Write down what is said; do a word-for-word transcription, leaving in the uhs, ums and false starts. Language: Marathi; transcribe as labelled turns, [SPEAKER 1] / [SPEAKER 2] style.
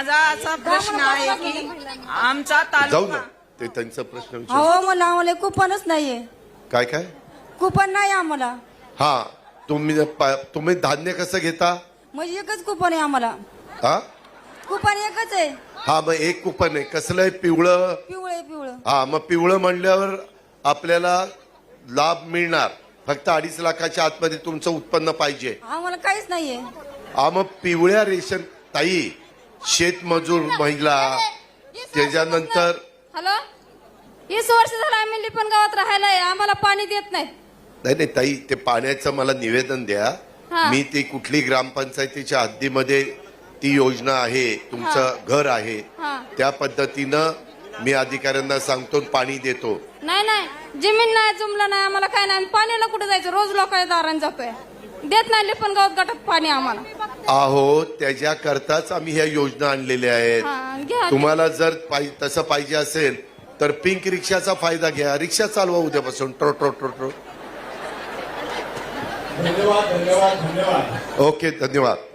[SPEAKER 1] माझा असा प्रश्न आहे की आमचा
[SPEAKER 2] जाऊ ना
[SPEAKER 1] तालुका
[SPEAKER 2] ते त्यांचा प्रश्न विचार.
[SPEAKER 3] अहो मला आम्हाला कुपनच नाहीये.
[SPEAKER 2] काय काय
[SPEAKER 3] कुपन नाही आम्हाला.
[SPEAKER 2] हा तुम्ही पा- तुम्ही धान्य कसं घेता?
[SPEAKER 3] म्हणजे एकच कुपन आहे आम्हाला.
[SPEAKER 2] हा
[SPEAKER 3] कुपन एकच आहे.
[SPEAKER 2] हा मग एक कुपन आहे. कसलं आहे? पिवळं.
[SPEAKER 3] पिवळे पिवळं.
[SPEAKER 2] हा मग पिवळं म्हणल्यावर आपल्याला लाभ मिळणार. फक्त अडीच लाखाच्या आतमध्ये तुमचं उत्पन्न पाहिजे.
[SPEAKER 3] आम्हाला काहीच नाहीये.
[SPEAKER 2] हा मग पिवळ्या रेशन ताई शेतमजूर महिला त्याच्यानंतर
[SPEAKER 4] हॅलो, वीस वर्ष झालं आम्ही लिपण गावात राहायला आहे, आम्हाला पाणी देत नाही.
[SPEAKER 2] नाही नाही ताई ते पाण्याचं मला निवेदन द्या.
[SPEAKER 4] हा.
[SPEAKER 2] मी ती कुठली ग्रामपंचायतीच्या हद्दीमध्ये ती योजना आहे तुमचं घर आहे
[SPEAKER 4] हा.
[SPEAKER 2] त्या पद्धतीनं मी अधिकाऱ्यांना सांगतो पाणी देतो.
[SPEAKER 4] नाही नाही, जमीन नाही, जुमला नाही, आम्हाला काय नाही. आम्ही पाण्याला कुठे जायचं? रोज लोकांच्या दाराने जातोय. देत नाही लिपण गावात गटात पाणी आम्हाला.
[SPEAKER 2] आहो त्याच्याकरताच आम्ही ह्या योजना आणलेल्या
[SPEAKER 4] हा,
[SPEAKER 2] आहेत.
[SPEAKER 4] घ्या.
[SPEAKER 2] तुम्हाला जर पाहि- तसं पाहिजे असेल तर पिंक रिक्षाचा फायदा घ्या. रिक्षा चालवा उद्यापासून. ट्रो ट्रो ट्रो ट्रो.
[SPEAKER 5] धन्यवाद धन्यवाद धन्यवाद.
[SPEAKER 2] ओके धन्यवाद.